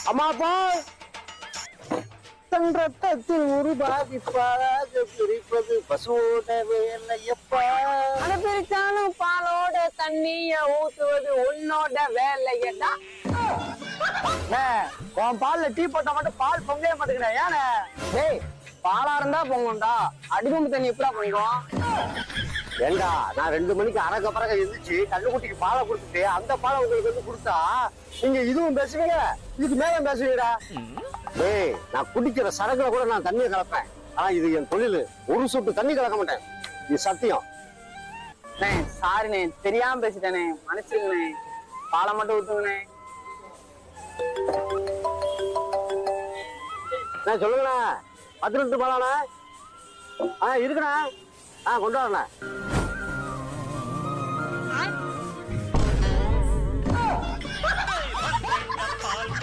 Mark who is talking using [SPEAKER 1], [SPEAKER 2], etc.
[SPEAKER 1] அம்மா அப்பா தன் ரத்தத்தில் உருவாகிப்பாக பிரிப்பது பசுவோட வேலையப்பா.
[SPEAKER 2] அதை பிரிச்சாலும் பாலோட தண்ணிய ஊத்துவது உன்னோட வேலையடா.
[SPEAKER 1] உன் பால்ல டீ போட்டா மட்டும் பால் பொங்கவே மாட்டேங்கிறேன் ஏன்னு?
[SPEAKER 2] டேய் பாலா இருந்தா பொங்கும்டா, அடிபம்பு தண்ணி எப்படா பொங்கும்?
[SPEAKER 1] ஏண்டா நான் 2 மணிக்கு அரக்க பறக்க எழுந்துச்சு கண்ணுக்குட்டிக்கு பாலை கொடுத்துட்டு அந்த பாலை உங்களுக்கு வந்து கொடுத்தா நீங்க இதுவும் பேசுவீங்க இதுக்கு மேல பேசுவீங்கடா. டேய் நான் குடிக்கிற சரக்குல கூட நான் தண்ணியை கலப்பேன். ஆனா இது என் தொழில். ஒரு சொட்டு தண்ணி கலக்க மாட்டேன். இது சத்தியம்.
[SPEAKER 2] சாரிண்ணே, தெரியாம பேசிட்டேனே, மன்னிச்சிருங்கண்ணே. பாலை மட்டும் ஊத்துங்கண்ணே.
[SPEAKER 1] சொல்லுங்கண்ணா 10 லிட்டர் பாலாண்ணா. இருக்குண்ணா. கொண்டு வரண்ணா.